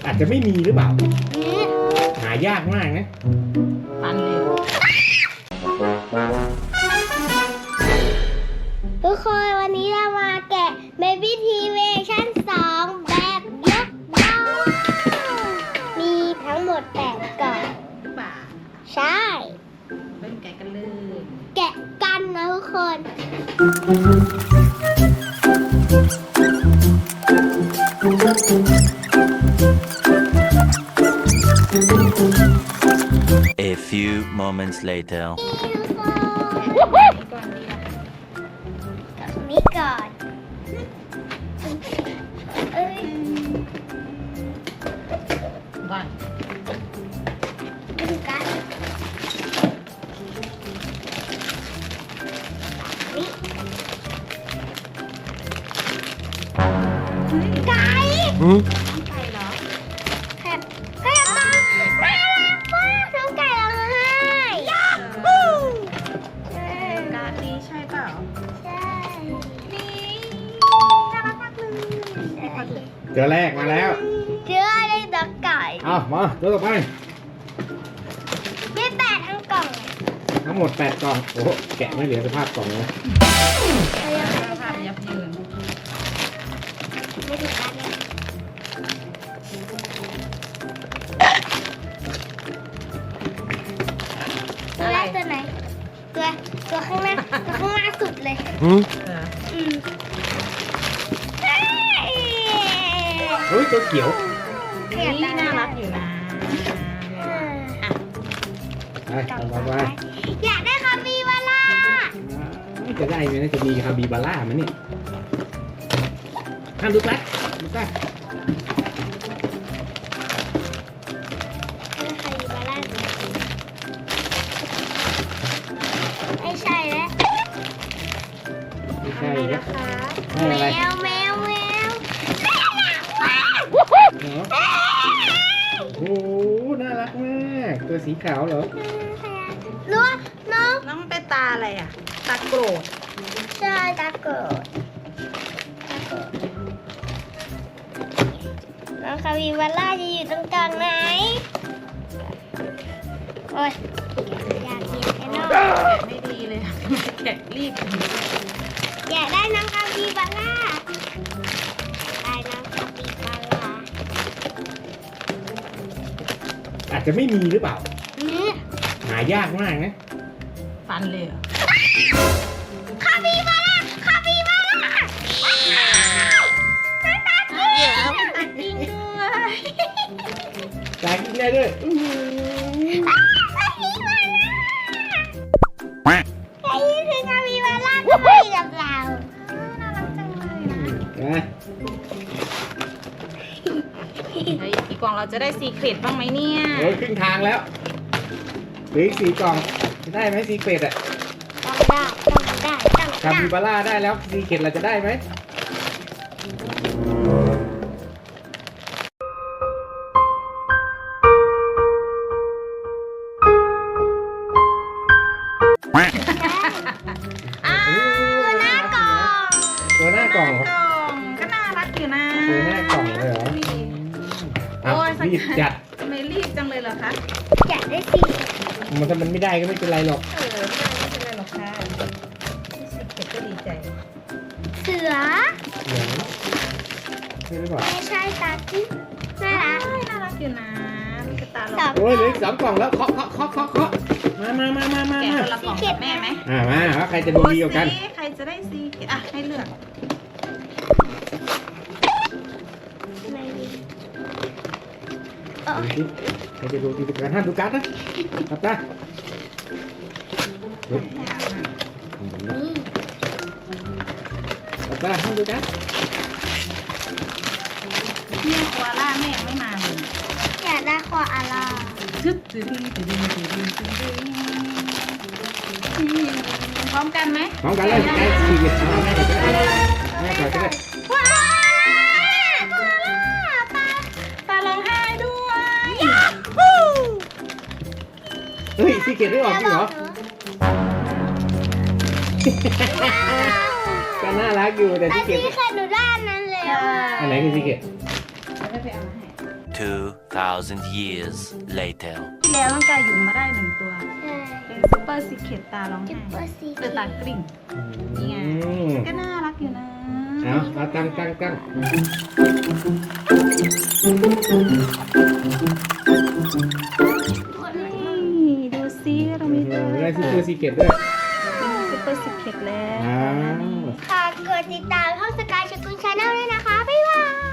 อาจจะไม่มีหรือเปล่าหายากมากนะปันเลยทุกคนวันนี้เรามาแกะ Baby T Version 2 แบบยกบ้านมีทั้งหมด8กล่องป่าใช่เริ่มแกะกันเลยแกะกันนะทุกคน A few moments later. นี่ก่อนเอ้ยบ้านดูกันนี่ไก่ไก่เหรอแคบแคบตาน่ารักมากน้องไก่ร้องไห้ยาฮูการนี้ใช่เปล่าใช่นี่น่ารักมากเลยเจอแรกมาแล้วเจอได้ดอกไก่เอามาตัวต่อไปมี8ทั้งกล่องทั้งหมด8กล่องโอ้โหแกะไม่เหลือสภาพกล่องเลยภาพยับยืนไม่ถึงกันเลยตัวแรกตัวไหนตัวข้างหน้าสุดเลยเออเฮ้ยตัวเขียวนี่น่ารักอยู่นะไปต่อไปอยากได้คาปิบาร่าจะได้ไหมนะจะมีคาบิบาร่ามันเนี่ยห้ามดูกัดดูกัดคาปิบาร่าไม่ใช่แล้วไม่ใช่นะนะคะให้อะไรแมวเหรอโอ้โหน่ารักมากตัวสีขาวเหรอรู้ว่าน้องน้องเป็นตาอะไรอ่ะ ตาโกรธใช่ตาโกรธน้องคาปิบาร่าจะอยู่ตรงกลางไหนโอ้ยอยากเห็นไอ้น้องแกะไม่ดีเลยแกะรีบอยากได้น้องคาปิบาร่าได้น้องคาปิบาร่าอาจจะไม่มีหรือเปล่าอืมหายากมากนะปันเลยเหรอคาปิบาร่าคาปิบาร่าตาจริงตาจริงด้วยตายกินได้ด้วยอื้อหือคาปิบาร่าไอ้นี่คือคาปิบาร่าก็มาอยู่กับเราน่ารักจังเลยนะนะเฮ้ยอีกกล่องเราจะได้ซีเครตบ้างไหมเนี่ยโอ้ยครึ่งทางแล้วเหลืออีก4 กล่องจะได้ไหมซีเกตอะต้องได้คาบิบาร่าได้แล้วซีเกตเราจะได้ไหมอ้าวหน้ากล่องตัวหน้ากล่องเหรอก็น่ารักอยู่นะตัวหน้ากล่องเลยเหรอโอ้ยรีบจัดทำไมรีบจังเลยเหรอคะอยากได้สีมันถ้ามันไม่ได้ก็ไม่เป็นไรหรอกไม่เป็นไรหรอกค่ะซีเครตก็ดีใจเสือเหลืองใช่หรือเปล่าไม่ใช่ตาที่น่ารักน่ารักอยู่นะมีกระตาหลสออง กโอ้ยเหลืออีก2 กล่องแล้วเคาะมาแกะคนละกล่องกับแม่ไหมมาว่าใครจะดูดีกว่ากันโอ้สิใครจะได้ซีเครตอ่ะให้เลือกไม่มีดูสิใครจะดูดีกว่ากันห้ามดูการ์ดนะครับจ้าครับจ้าห้ามดูการ์ดเนี่ยโคอาล่าแม่ยังไม่มาเลยอยากได้คออาร่าทึบตึ้งตึ้งตึ้งตึ้งตึ้งตึ้งพร้อมกันไหมพร้อมกันเลยได้4 เกตเอาแม่ก่อนก็ได้แม่ก่อนก็ได้ว้าวตาร้องไห้ด้วยเฮ้ยซีเกตไม่ออกจริงเหรอ ก็น่ารักอยู่แต่แต่ซีเกที่ตเคยหนูได้อันนั้นแล้วอันไหนคือซีเกตจะได้ไปเอามาให้ 2,000 years later. ที่แล้วน้องกายหยุมมาได้1 ตัวใช่เป็นซูเปอร์ซีเคทตาร้องจุไห้ดเปอร์ซีเปิดตากริ่ง นี่ไง ก็น่ารักอยู่นะเอาตั้งนี่ดูซิเรามีตัวอะไรได้ซูเปอร์ซีเกตด้วยซูเปอร์ซีเคทแล้วอ้าวค่ะกดติดตามช่องสกายชกุลชาแนลด้วยนะคะ บ๊ายบาย